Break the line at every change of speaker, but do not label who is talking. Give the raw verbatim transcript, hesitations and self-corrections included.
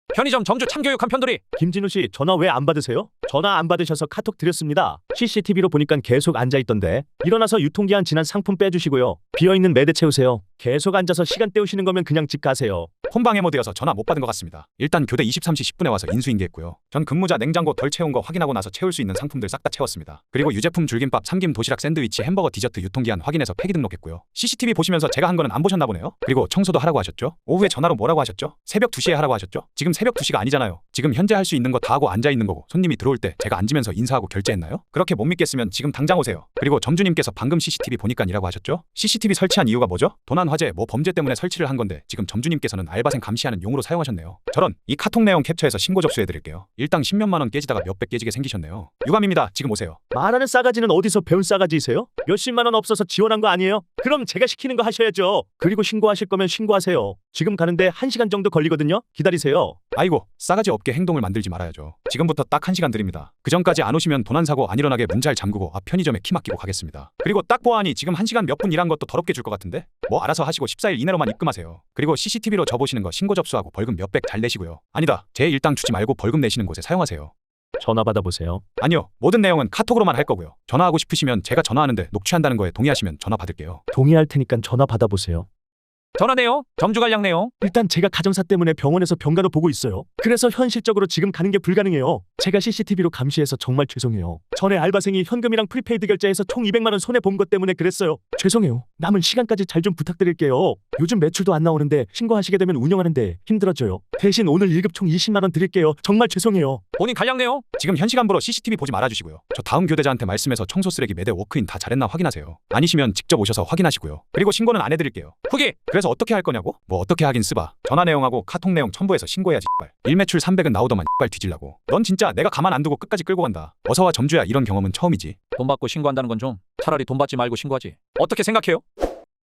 편의점 점주 참교육한 편돌이.
김진우 씨, 전화 왜 안 받으세요? 전화 안 받으셔서 카톡 드렸습니다. 씨씨티비로 보니까 계속 앉아있던데. 일어나서 유통기한 지난 상품 빼주시고요. 비어있는 매대 채우세요. 계속 앉아서 시간 때우시는 거면 그냥 집 가세요.
폰방해 모드여서 전화 못 받은 것 같습니다. 일단 교대 이십삼 시 십 분에 와서 인수인계했고요. 전 근무자 냉장고 덜 채운 거 확인하고 나서 채울 수 있는 상품들 싹 다 채웠습니다. 그리고 유제품 줄김밥, 삼김, 도시락, 샌드위치, 햄버거, 디저트 유통기한 확인해서 폐기 등록했고요. 씨씨티비 보시면서 제가 한 거는 안 보셨나 보네요. 그리고 청소도 하라고 하셨죠? 오후에 전화로 뭐라고 하셨죠? 새벽 두 시에 하라고 하셨죠? 지금 새벽 두 시가 아니잖아요. 지금 현재 할 수 있는 거 다 하고 앉아있는 거고, 손님이 들어올 때 제가 앉으면서 인사하고 결제했나요? 그렇게 못 믿겠으면 지금 당장 오세요. 그리고 점주님께서 방금 씨씨티비 보니깐이라고 하셨죠? 씨씨티비 설치한 이유가 뭐죠? 도난 화재, 뭐 범죄 때문에 설치를 한 건데 지금 점주님께서는 알바생 감시하는 용으로 사용하셨네요. 저런, 이 카톡 내용 캡처해서 신고 접수해드릴게요. 일당 십몇만 원 깨지다가 몇백 깨지게 생기셨네요. 유감입니다. 지금 오세요.
말하는 싸가지는 어디서 배운 싸가지이세요? 몇십만 원 없어서 지원한 거 아니에요? 그럼 제가 시키는 거 하셔야죠. 그리고 신고하실 거면 신고하세요. 지금 가는데 한 시간 정도 걸리거든요. 기다리세요.
아이고, 싸가지 없게 행동을 만들지 말아야죠. 지금부터 딱 한 시간 드립니다. 그 전까지 안 오시면 도난사고 안 일어나게 문 잘 잠그고 앞 편의점에 키 맡기고 가겠습니다. 그리고 딱 보아하니 지금 한 시간 몇 분 일한 것도 더럽게 줄 것 같은데? 뭐 알아서 하시고 십사 일 이내로만 입금하세요. 그리고 씨씨티비로 저 보시는 거 신고 접수하고 벌금 몇백 잘 내시고요. 아니다, 제 일당 주지 말고 벌금 내시는 곳에 사용하세요.
전화 받아보세요.
아니요, 모든 내용은 카톡으로만 할 거고요. 전화하고 싶으시면 제가 전화하는데 녹취한다는 거에 동의하시면 전화 받을게요.
동의할 테니까 전화 받아보세요.
전화 내용, 점주 관량 내용.
일단 제가 가정사 때문에 병원에서 병가도 보고 있어요. 그래서 현실적으로 지금 가는 게 불가능해요. 제가 씨씨티비로 감시해서 정말 죄송해요. 전에 알바생이 현금이랑 프리페이드 결제해서 총 이백만 원 손해 본 것 때문에 그랬어요. 죄송해요. 남은 시간까지 잘 좀 부탁드릴게요. 요즘 매출도 안 나오는데 신고하시게 되면 운영하는데 힘들어져요. 대신 오늘 일 급 총 이십만 원 드릴게요. 정말 죄송해요.
본인 관량 내용. 지금 현 시간부로 씨씨티비 보지 말아주시고요. 저 다음 교대자한테 말씀해서 청소 쓰레기 매대 워크인 다 잘했나 확인하세요. 아니시면 직접 오셔서 확인하시고요. 그리고 신고는 안 해드릴게요. 후기. 그래서 어떻게 할 거냐고? 뭐 어떻게 하긴 쓰바. 전화 내용하고 카톡 내용 첨부해서 신고해야지. 일매출 삼백은 나오더만 발 뒤질라고. 넌 진짜 내가 가만 안 두고 끝까지 끌고 간다. 어서와 점주야. 이런 경험은 처음이지.
돈 받고 신고한다는 건 좀 차라리 돈 받지 말고 신고하지.
어떻게 생각해요?